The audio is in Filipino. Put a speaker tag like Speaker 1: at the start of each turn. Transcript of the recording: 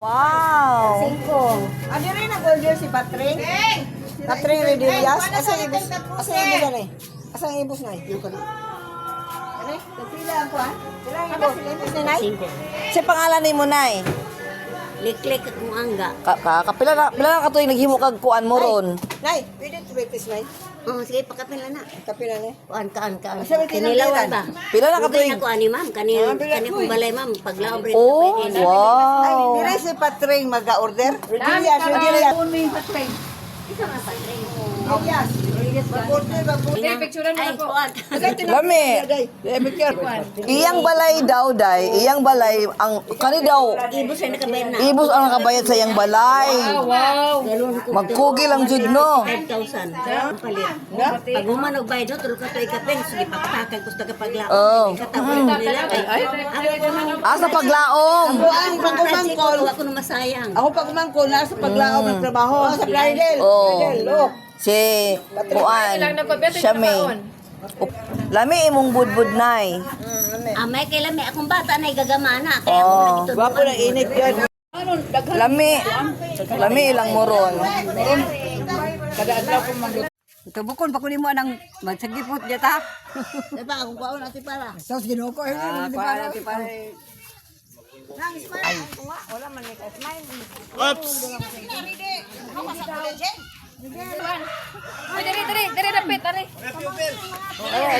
Speaker 1: Wow!
Speaker 2: Ano rin ang order si Patring? Patring Redillas? Asa ibus na eh? Asa ang ibus na eh? Yung kali. Ano eh? Nagpila ako ha? Pila ang ibus ni Nay?
Speaker 1: Si pangalan ni mo, Nay?
Speaker 3: Liklik akong angga.
Speaker 1: Kapila na katuig naghimo kag kuan mo ron.
Speaker 2: Nay, pwede to breakfast Nay?
Speaker 3: Oh, sige, pakapila na.
Speaker 2: Kapila na eh.
Speaker 3: Kaan.
Speaker 2: Asa ba
Speaker 3: Kinilawan ba?
Speaker 1: Pila na
Speaker 3: Katuig
Speaker 1: katuig.
Speaker 3: ako ani ma'am, kani kong balay ma'am, paglaom rin
Speaker 1: Oh,
Speaker 2: Ay,
Speaker 1: wow!
Speaker 2: nila si Patring mag-order? Redillas, Redillas.
Speaker 3: Ito nga patring.
Speaker 2: Redillas. Mag-order ba po?
Speaker 3: Ay, kuwan.
Speaker 1: Lami. Iyang balay daw, Day. Iyang balay ang kani daw.
Speaker 3: Ibus ay nakabayad na.
Speaker 1: Ibus ang nakabayad sa iyang balay.
Speaker 3: Galon ko.
Speaker 1: Magkugi lang jud no.
Speaker 3: 5,000. Ang palit. Pag humanog bayad no, tulog ka to ikapin. Sige, papatakay ko sa kapaglaom.
Speaker 1: Oh.
Speaker 3: Katapos nila. Ay, ako ko man.
Speaker 1: Asa paglaom.
Speaker 2: Ang pagkumangkol.
Speaker 3: Ako na masayang.
Speaker 2: Ako pagkumangkol, nasa paglaom ng trabaho. Sa bridal.
Speaker 1: Oh.
Speaker 2: Look.
Speaker 1: Si kuan. Siya may. Lami imong budbud, Nay.
Speaker 3: May kailan may akong bata na igagamana. Kaya ako
Speaker 1: Oh.
Speaker 3: nagitutuan.
Speaker 2: Wapo na init yan.
Speaker 1: Lami ilang mo ron.
Speaker 4: Ito bukon pa kunin mo nang magsagipot diya ta.
Speaker 2: Diba, akong kwaon natin para.
Speaker 4: Sa ginuko eh. Para natin para.
Speaker 5: Dari, dapit, dari.